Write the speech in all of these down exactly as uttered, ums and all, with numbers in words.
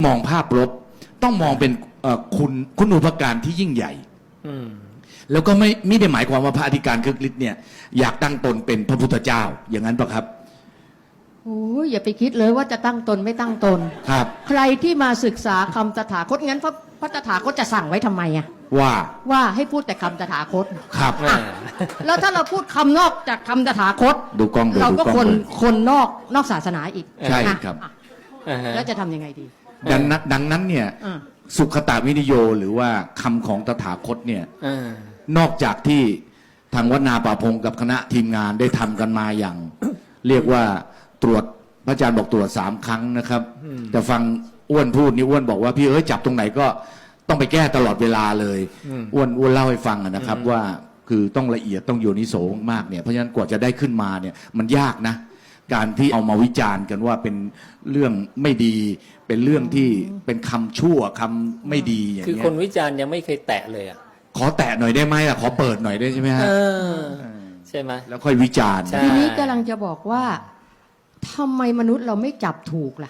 มองภาพลบต้องมองเป็นคุณคุณูปการที่ยิ่งใหญ่แล้วก็ไม่ไม่ได้หมายความว่าพระอธิการคึกฤทธิ์เนี่ยอยากตั้งตนเป็นพระพุทธเจ้าอย่างนั้นปะครับโอ้ยอย่าไปคิดเลยว่าจะตั้งตนไม่ตั้งตนครับใครที่มาศึกษาคำตถาคตงั้นพระพระตถาคตจะสั่งไว้ทำไมอะว่าว่าให้พูดแต่คำตถาคตครับแล้วถ้าเราพูดคำนอกจากคำตถาคตดูกล้องเราก็คนคนนอกนอกศาสนาอีกใช่ครับแล้วจะทำยังไงดีดังนั้นดังนั้นเนี่ยสุขตวินิโยหรือว่าคำของตถาคตเนี่ยนอกจากที่ทางวัดนาป่าพงกับคณะทีมงานได้ทำกันมาอย่าง เรียกว่าตรวจพระอาจารย์บอกตรวจสามครั้งนะครับแต่ฟังอ้วนพูดนี่อ้วนบอกว่าพี่เอ้ยจับตรงไหนก็ต้องไปแก้ตลอดเวลาเลยอ้วนอ้วนเล่าให้ฟังนะครับว่าคือต้องละเอียดต้องโยนิโสมากเนี่ยเพราะฉะนั้นกว่าจะได้ขึ้นมาเนี่ยมันยากนะการที่เอามาวิจารณ์กันว่าเป็นเรื่องไม่ดีเป็นเรื่องที่เป็นคำชั่วคำไม่ดีอย่างเงี้ยคือคนวิจารณ์ยังไม่เคยแตะเลยอ่ะขอแตะหน่อยได้ไหมล่ะขอเปิดหน่อยได้ใช่ไหมฮะใช่ไหมแล้วค่อยวิจารณ์ทีนี้กำลังจะบอกว่าทำไมมนุษย์เราไม่จับถูกล่ะ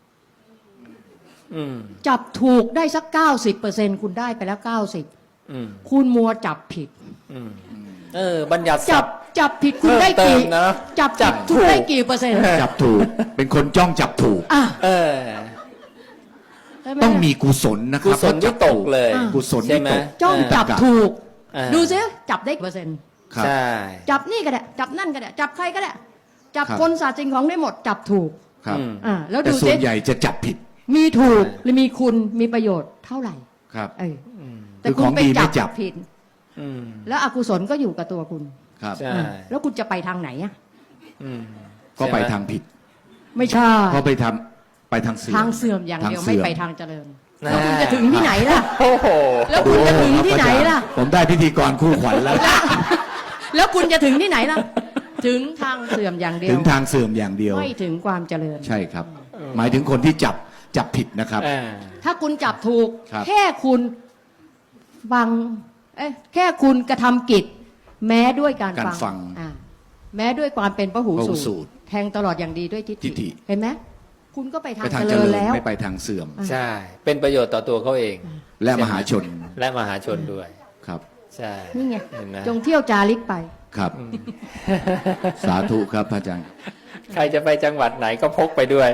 จับถูกได้สักเก้าสิบเปอร์เซ็นต์คุณได้ไปแล้วเก้าสิบคุณมัวจับผิดเออบัญญัติจับจับผิดคุณได้กี่จับจับถูกได้กี่เปอร์เซ็นต์จับถูกเป็นคนจ้องจับถูกเออต้องมีกุศลนะครับกุศลที่ตกเลยกุศลที่ตกจ้องจับถูกดูซิจับได้กี่เปอร์เซ็นต์ใช่จับนี่ก็ได้จับนั่นก็ได้จับใครก็ได้จับคนสัตว์สิ่งของได้หมดจับถูกครับอ่าแล้วดูส่วนใหญ่จะจับผิดมีถูกหรือมีคุณมีประโยชน์เท่าไหร่ครับเออแต่คุณไปจับผิดแล้วอกุศลก็อยู่กับตัวคุณครับแล้วคุณจะไปทางไหนอ่ะก็ไปทางผิดไม่ใช่ก็ไปทำไปทางเสื่อมทางเสื่อมอย่างเดียวไม่ไปทางเจริญแล้วคุณจะถึงที่ไหนล่ะแล้วคุณจะถึงที่ไหนล่ะผมได้พิธีกรคู่ขวัญแล้วแล้วคุณจะถึงที่ไหนล่ะถึงทางเสื่อมอย่างเดียวถึงทางเสื่อมอย่างเดียวไม่ถึงความเจริญใช่ครับหมายถึงคนที่จับจับผิดนะครับถ้าคุณจับถูกแค่คุณฟังเอ้แค่คุณกระทำกิจแม้ด้วยการฟังแม้ด้วยความเป็นพหูสูตรแทงตลอดอย่างดีด้วยทิฏฐิเห็นไหมคุณก็ไปทางเจริญแล้วไม่ไปทางเสื่อมใช่เป็นประโยชน์ต่อตัวเขาเองและมหาชนและมหาชนด้วยครับใช่นี่ไงจงเที่ยวจาริกไปครับสาธุครับพระอาจารย์ใครจะไปจังหวัดไหนก็พกไปด้วย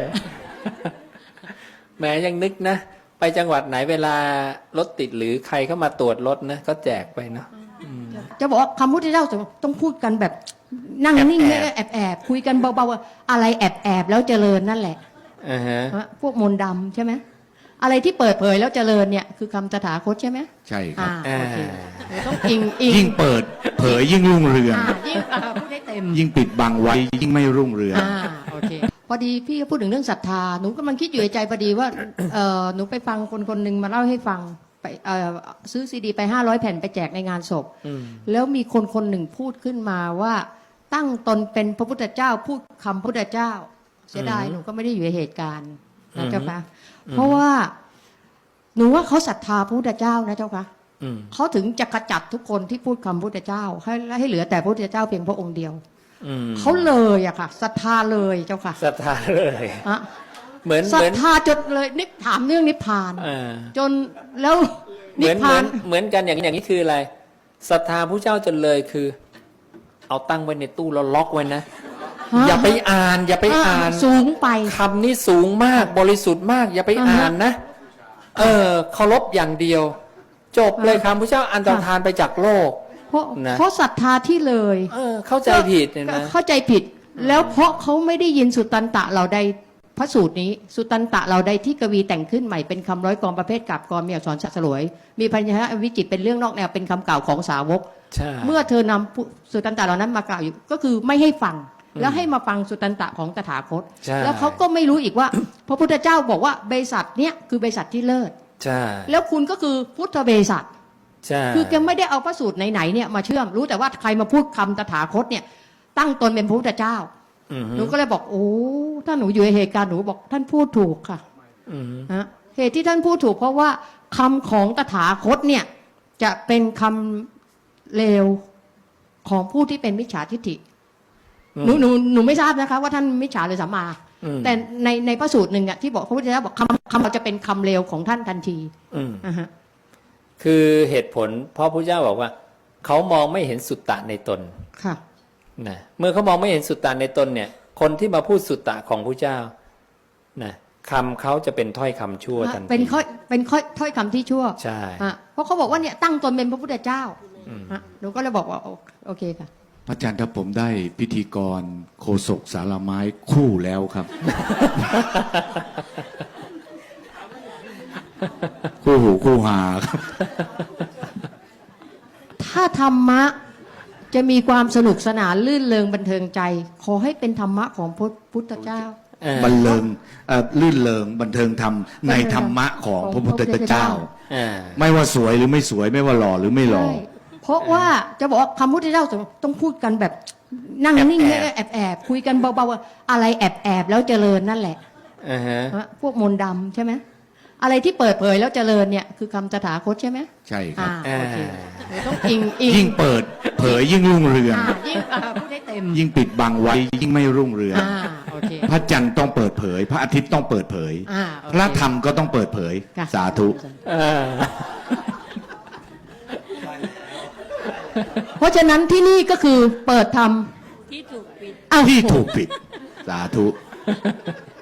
แม้ยังนึกนะไปจังหวัดไหนเวลารถติดหรือใครเข้ามาตรวจรถนะก็แจกไปเนาะจะบอกว่าคำพุทธเจ้าต้องพูดกันแบบนั่งนิ่งๆแอบแอบคุยกันเบาๆอะไรแอบแอบแล้วเจริญนั่นแหละพวกมนต์ดำใช่ไหมอะไรที่เปิดเผยแล้วเจริญเนี่ยคือคำตถาคตใช่ไหมใช่ครับต้องอิงอิงยิ่งเปิดเผยยิ่งรุ่งเรืองยิ่งพูดให้เต็มยิ่งปิดบังไว้ยิ่งไม่รุ่งเรืองโอเคพอดีพี่ก็พูดถึงเรื่องศรัทธาหนูกำลังคิดอยู่ในใจพอดีว่าหนูไปฟังคนคนหนึ่งมาเล่าให้ฟังไปซื้อซีดีไปห้าร้อยแผ่นไปแจกในงานศพแล้วมีคนคนหนึ่งพูดขึ้นมาว่าตั้งตนเป็นพระพุทธเจ้าพูดคำพุทธเจ้าเสียดายหนูก็ไม่ได้อยู่ในเหตุการณ์นะเจ้าค่ะเพราะว่าหนูว่าเขาศรัทธาพระพุทธเจ้านะเจ้าค่ะเขาถึงจะขจัดทุกคนที่พูดคำพุทธเจ้าให้ให้เหลือแต่พระพุทธเจ้าเพียงพระองค์เดียวเขาเลยอะค่ะศรัทธาเลยเจ้าค่ะศรัทธาเลยอะเหมือนศรัทธาจนเลยนิพถามเรื่องนิพพานจนแล้วนิพพานเหมือนกันอย่างอย่างนี้คืออะไรศรัทธาพระเจ้าจนเลยคือเอาตั้งไว้ในตู้แล้วล็อกไว้นะอย่าไปอ่านอย่าไปอ่านสูงไปคำนี้สูงมากบริสุทธิ์มากอย่าไปอ่านนะเออเคารพอย่างเดียวจบเลยคำพระเจ้าอันตรธานไปจากโลกเพราะเพราะศรัทธาที่เลยเออเข้าใจผิดนะเข้าใจผิดแล้วเพราะเขาไม่ได้ยินสุตตันตะเราใดพระสูตรนี้สุตตันตะเราใดที่กวีแต่งขึ้นใหม่เป็นคำร้อยกรประเภทกาบกรมีอักษรสลวยมีพยัญชนะวิจิตรเป็นเรื่องนอกแนวเป็นคำกล่าวของสาวกเมื่อเธอนำสุตตันตะเหล่านั้นมากล่าวอยู่ก็คือไม่ให้ฟังแล้วให้มาฟังสุตตันตะของตถาคตแล้วเขาก็ไม่รู้อีกว่าพระพุทธเจ้าบอกว่าบริษัทเนี้ยคือบริษัทที่เลิศแล้วคุณก็คือพุทธบริษัทคือแกไม่ได้เอาพระสูตรไหนๆเนี่ยมาเชื่อมรู้แต่ว่าใครมาพูดคำตถาคตเนี่ยตั้งตนเป็นพระพุทธเจ้าหนูก็เลยบอกโอ้ถ้าหนูอยู่ในเหตุการณ์หนูบอกท่านพูดถูกค่ะนะเหตุที่ท่านพูดถูกเพราะว่าคำของตถาคตเนี่ยจะเป็นคำเลวของผู้ที่เป็นมิจฉาทิฏฐิหนูหนูหนูไม่ทราบนะคะว่าท่านมิจฉาหรือสัมมาอืมแต่ในในพระสูตรหนึ่งอะที่บอกพระพุทธเจ้าบอกคำคำเราจะเป็นคำเลวของท่านทันทีอืมอ่าฮะคือเหตุผลเพราะพระเจ้าบอกว่า เขามองไม่เห็นสุตตะในตนค่ะนะเมื่อเขามองไม่เห็นสุตตะในตนเนี่ย คนที่มาพูดสุตตะของพระเจ้านะคำเขาจะเป็นถ้อยคำชั่วทันทีเป็นข้อเป็นข้อถ้อยคำที่ชั่วใช่อ่ะเพราะเขาบอกว่าเนี่ยตั้งตนเป็นพระพุทธเจ้าอืมอ่ะหนูก็เลยบอกว่าโอโอเคค่ะพระอาจารย์ถ้าผมได้พิธีกรโคศกสารไม้คู่แล้วครับ คู่หูคู่หาครับถ้าธรรมะจะมีความสนุกสนานลื่นเริงบันเทิงใจ ขอให้เป็นธรรมะของพระพุทธเจ้าเออบันเลิงเอ่อลื่นเริงบันเทิงธรรมในธรรมะของพระพุทธเจ้าอ่าไม่ว่าสวยหรือไม่สวยไม่ว่าหล่อหรือไม่หล่อใช่เพราะว่าจะบอกว่าคำพุทธเจ้าต้องพูดกันแบบนั่งนิ่งแอบๆแอบแอบๆคุยกันเบาๆว่าอะไรแอบแอบๆแล้วเจริญนั่นแหละอ่าฮะฮะพวกมนต์ดำใช่ไหมอะไรที่เปิดเผยแล้วเจริญเนี่ยคือคำตถาคตใช่ไหมใช่ครับอ่าโอเคเดี๋ยวต้องอิงอิงยิ่งเปิดเผยยิ่งรุ่งเรืองอ่ายิ่งอ่าพูดให้เต็มยิ่งปิดบังไว้ยิ่งไม่รุ่งเรืองอ่าโอเคพระจันทร์ต้องเปิดเผย พระอาทิตย์ต้องเปิดเผยอ่าโอเคพระธรรมก็ต้องเปิดเผยค่ะสาธุอ่าเพราะฉะนั้นที่นี่ก็คือเปิดทำที่ถูกปิดอ้าวที่ถูกปิด สาธุ